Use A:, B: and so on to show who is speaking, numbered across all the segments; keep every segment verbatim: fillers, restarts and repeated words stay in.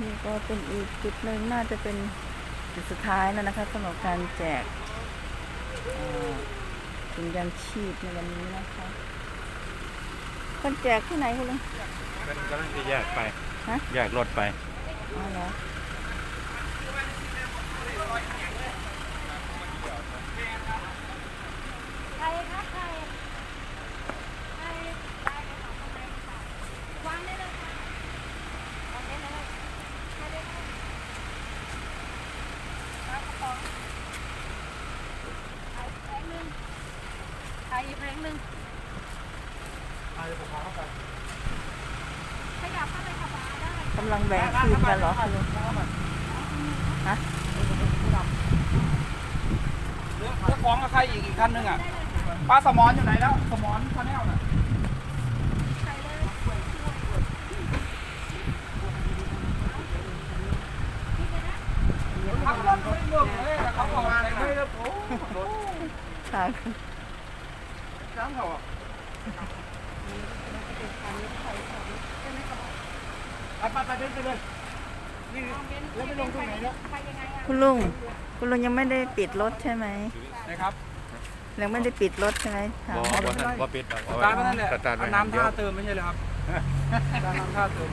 A: นี่ก็เป็นอีกจุดหนึ่งน่าจะเป็นจุดสุดท้ายแล้วนะคะสำหรับการแจกถุงยางชีพในวันนี้นะคะคนแจกที่ไหนคุณลุง
B: เป็นกำลังจะแยกไป
A: ฮะ
B: แยกรถไป
A: อ๋อเหรอ
C: ใครครับใครใครได้ไปสองคนไหนวางได้เลยค่ะวางได้เลยใครได้ค่ะวางกระป๋องไอ้แผงหนึ่งไอ้แผงหนึ่งขยับเข้าไปขับมาได้
A: กำลังแบ่งทีมกันเหรอคุณลุงฮะ
D: เรื่องของกับใครอีกอีกคันหนึ่งอ่ะป้าสมอนอยู่ไหนแล้วสมอนคาแนลน่ะ
C: ใส่เลย
D: ขับรถไม่เรื่องเลยแต่เขาบอกอะไรไม่แล้วโอ้
A: ค่ะ
D: จ้างเขาอ่ะไปไปไปไปเลยนี่แล้วไม่ลงตรงไหนเนี่ย
A: คุณลุงคุณลุงยังไม่ได้ปิดรถใช่ไหม
D: นะครับ
A: ยังไม่ได้ปิดรถใช่ไหม
B: บ่บ่ทันบ่ปิด
D: สตาร์ทนั่นแหละเอาน้ำท่าเติมไม่ใช่เลยครับน้ำท่าเติม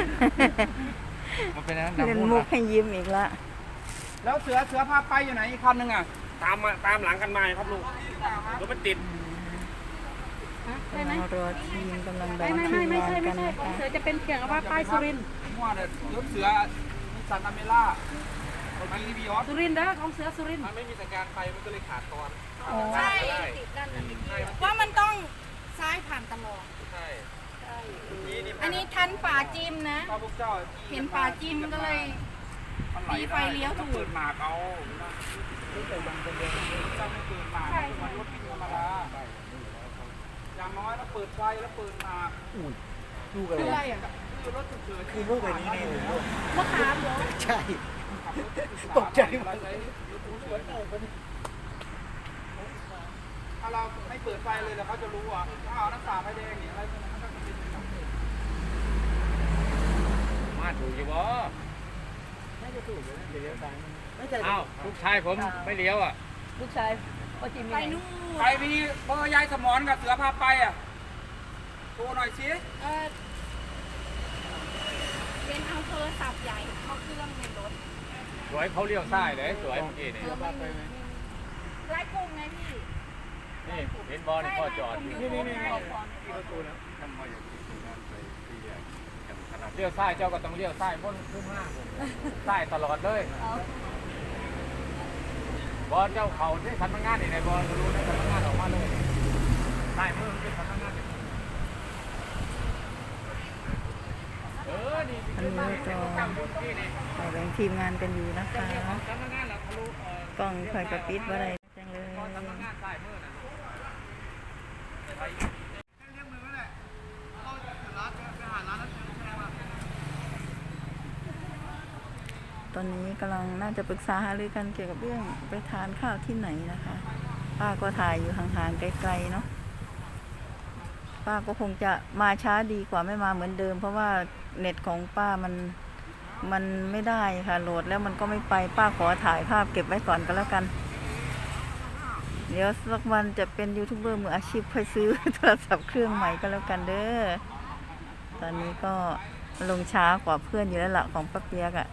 B: มันเป็นนั้น
A: เล่นมุกให้ยิ้มอีกละ
D: แล้วเสือเสือพาไปอยู่ไหนอีกคันหนึ่งอ่ะ
B: ตามมาตามหลังกันมาครับลุงรถมันติด
A: กำลังรอทีมกำลังแบ่งทีมงานกันนะคะ
C: เสือจะเป็นเกี่ยวกับว่าป้ายสุรินทร์
D: มั่วเลยรถเสือนิสสันอเมร่ามันมีบีออส
C: สุรินทร์นะของเสือสุรินทร์
D: มันไม่มีสัญญาณไฟมันก็เลยขาดตอน
C: ใช่ว่ามันต้องซ้ายผ่านตลอด
D: ใช่
C: อันนี้ทันป่าจิมนะเห็นป่าจิมก็เลยมีไฟเลี้ยวถูก
D: เปิดหมากเอาไม่เปิดบังเป็นเดือนจะไม่เปิดหมากมันรถธรรมดาอย่างน้อยแล้วเปิดไฟแล้วเปิดหมาก
A: ลูกอะไร
D: คือรถฉุกเฉิน
A: คือลูกแบบนี้นี่
C: มะขามเหรอ
A: ใช่ตกใจหมด
D: ถ้าเราไม่เปิดไฟเลยแล้วเขาจะรู้ว่าถ้าเอาน้ำตาไฟแดงเนี่ยอะไรพวกนั้นก็จะเป็น
B: มาถูกอยู่บ่
A: น่าจะถูกเลยเลี้ยวซ้ายไม่ใช่
B: อ้าวลูกชายผมไม่เลี้ยวอ่ะ
A: ลูกชายพ่อจิม
C: ไปนู่น
D: ใครมีเบอร์ยายสมอนกับเสือพาไปอ่ะโทรหน่อยสิ
C: เออเป็นเอาโทรศัพท์ใหญ่เขาเครื่องในรถ
B: สวยเขาเลี้ยวซ้ายเลยสวยเมื่อกี้นี่
C: ไล่กุ้งไงพี่
B: นี่เห็นบอลพ่อจอด
D: นี่นี่นี่
B: ประตูแล้วเลี้ยวซ้ายเจ้าก็ต้องเลี้ยวซ้ายพ้นขึ้นห้างซ้ายตลอดเลยบอลเจ้าเขาที่สำนักงานนี่ในบอลรู้ในสำนักงานออกมาเลยซ้ายมือเป็นสำนักงานเออนี่
A: อันนี้ก็แบ่งทีมงานกันอยู่นะคะกล้องคอยกระปิดว่าอะไรจังเลยตอนนี้กำลังน่าจะปรึกษาหารือกันเกี่ยวกับเรื่องไปทานข้าวที่ไหนนะคะป้าก็ถ่ายอยู่ห่างๆไกลๆเนาะป้าก็คงจะมาช้าดีกว่าไม่มาเหมือนเดิมเพราะว่าเน็ตของป้ามันมันไม่ได้ค่ะโหลดแล้วมันก็ไม่ไปป้าขอถ่ายภาพเก็บไว้ก่อนก็แล้วกันเดี๋ยวสักวันจะเป็นยูทูบเบอร์มืออาชีพค่อยซื้อโทรศัพท์เครื่องใหม่ก็แล้วกันเด้อตอนนี้ก็ลงช้ากว่าเพื่อนอยู่แล้วล่ะของป้าเปียกอะ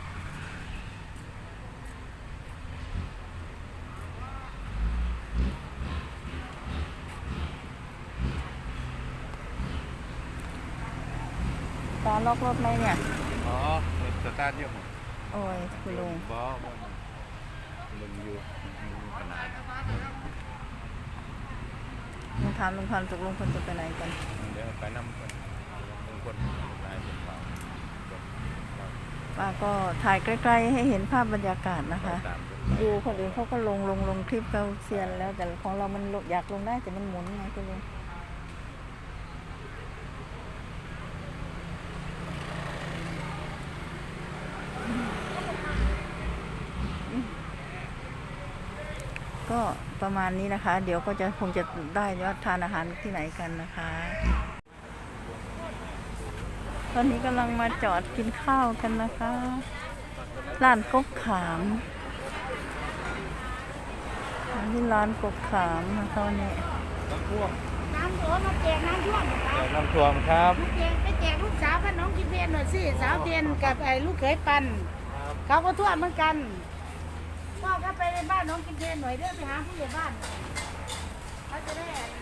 A: ตาล็อกรถไหมเนี่ย
B: อ๋อสตาร์ทเยอะหมด
A: โอ้ยคุณลุง
B: บ่บ่ลุงอยู่ขนาด
A: ลุงถามลุงพันธุ์ตกลงคนจะไปไหนกัน
B: เดี๋ยวไปน้ำคนลุงคนนายเป็นเปล่า
A: ป้าก็ถ่ายใกล้ๆให้เห็นภาพบรรยากาศนะคะดูคนอื่นเขาก็ลงลงลงคลิปเขาเซียนแล้วแต่ของเรามันอยากลงได้แต่มันหมุนไงคุณลุงก็ประมาณนี้นะคะเดี๋ยวก็จะคงจะได้ว่าทานอาหารที่ไหนกันนะคะตอนนี้กำลังมาจอดกินข้าวกันนะคะร้านกกขามอันนี้ร้านกกขามนะคะวันนี้
B: น้ำท่วม
C: น้ำท่วมมาแจกน้ำท่วมเหรอคะ
B: น้ำท่วมครับ
C: ลูกแจกไปแจกลูกสาวกับน้องกินเพนหน่อยสิสาวเทียนกับไอ้ลูกเขยปันเขาก็ท่วมเหมือนกันพ่อก็ไปในบ้านน้องกินเพนหน่อยเด้อไปหาผู้ใหญ่บ้านเขาจะได้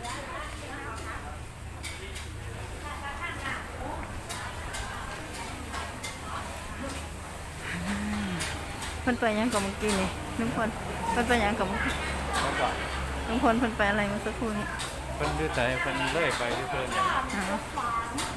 A: เพิ่นไปหยังกับเมื่อกี้นี่ลุงพลเพิ่นไปหยังกับเมื่อกี้
B: แล้วก็
A: ลุงพลเพิ่นไปอะไรเมื่อสักครู่นี้
B: เพิ่นดื้อใจเพิ่นเลื่อยไปเรื่อยๆเนี่ย
A: อ๋อ